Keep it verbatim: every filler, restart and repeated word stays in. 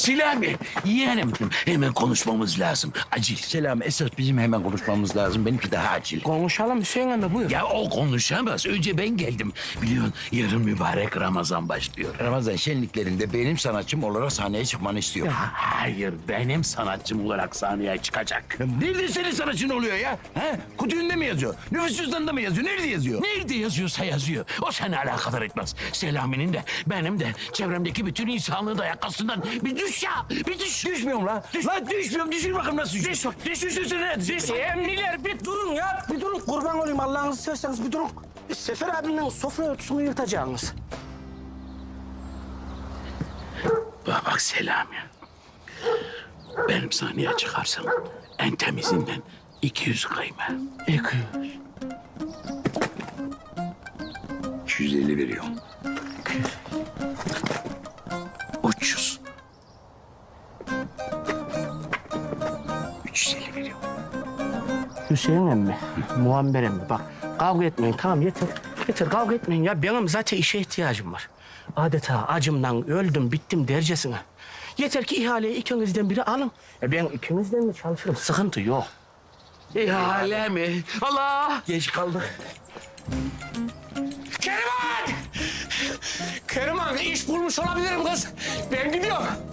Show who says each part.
Speaker 1: Selami, yeğenim hemen konuşmamız lazım. Acil.
Speaker 2: Selami, esas bizim hemen konuşmamız lazım. Benimki daha acil.
Speaker 3: Konuşalım Hüseyin emmi, buyur.
Speaker 1: Ya o konuşamaz. Önce ben geldim. Biliyorsun yarın mübarek Ramazan başlıyor.
Speaker 2: Ramazan şenliklerinde benim sanatçım olarak sahneye çıkmanı istiyorum.
Speaker 1: Hayır, benim sanatçım olarak sahneye çıkacak.
Speaker 2: Nerede senin sanatçın oluyor ya? Ha? Kutu önünde mi yazıyor? Nüfus cüzdanında mı yazıyor? Nerede yazıyor?
Speaker 1: Nerede yazıyorsa yazıyor. O seni alakadar etmez. Selami'nin de benim de çevremdeki bütün insanlığı da yakasından bir düş ya. Bir düş.
Speaker 2: Düşmüyorum lan. Lan düşmüyorum. Düşün bakayım nasıl düşüyor.
Speaker 1: Düş. Düş. Düş. Düş. Düş.
Speaker 3: Emniler bir durun ya, bir durun. Kurban olayım, Allah'ınızı severseniz bir durun. Sefer abinin sofra örtüsünü yırtacaksınız.
Speaker 1: Bak, bak Selami. Benim sahneye çıkarsam en temizinden iki yüz kıyma.
Speaker 3: İki yüz.
Speaker 2: iki yüz elli veriyorum.
Speaker 1: üç yüz.
Speaker 2: üç yüz elli veriyorum.
Speaker 3: Hüseyin emmi, Muammer emmi bak, kavga etmeyin, tamam yeter. Yeter, kavga etmeyin ya. Benim zaten işe ihtiyacım var. Adeta acımdan öldüm, bittim dercesine. Yeter ki ihaleyi ikinizden biri alın. E ben ikinizden de çalışırım, sıkıntı yok.
Speaker 1: İhale mi? Allah!
Speaker 2: Geç kaldık.
Speaker 3: Keriman! Keriman, iş bulmuş olabilirim kız. Ben gidiyorum.